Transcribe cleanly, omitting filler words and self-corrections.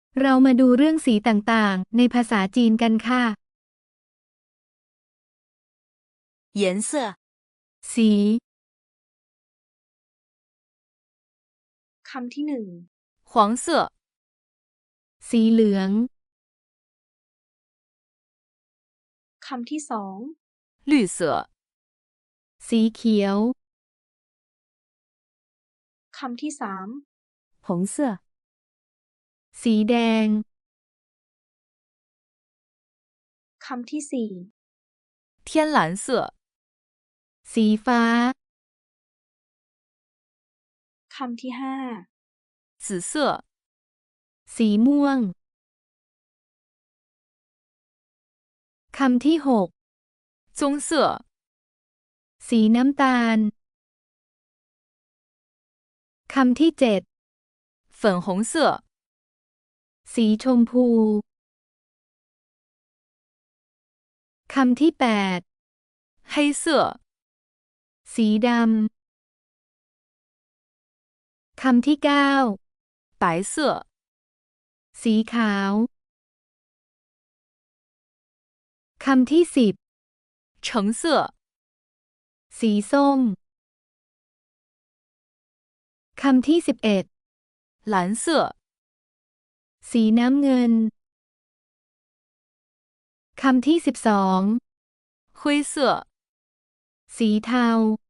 เรามาดูเรื่องสีต่างๆในภาษาจีนกันค่ะ颜色สีคำที่หนึ่ง黄色สีเหลืองคำที่สอง绿色สีเขียวคำที่สาม红色สีแดงคำที่สี่天蓝色สีฟ้าคำที่ห้า紫色สีม่วง คำที่หก棕色สีน้ำตาล คำที่เจ็ด粉红色สีชมพู คำที่แปด黑色สีดำ คำที่เก้า白色สีขาว คำที่สิบ橙色สีส้ม คำที่11 蓝色สีน้ำเงิน คำที่12 灰色สีเทา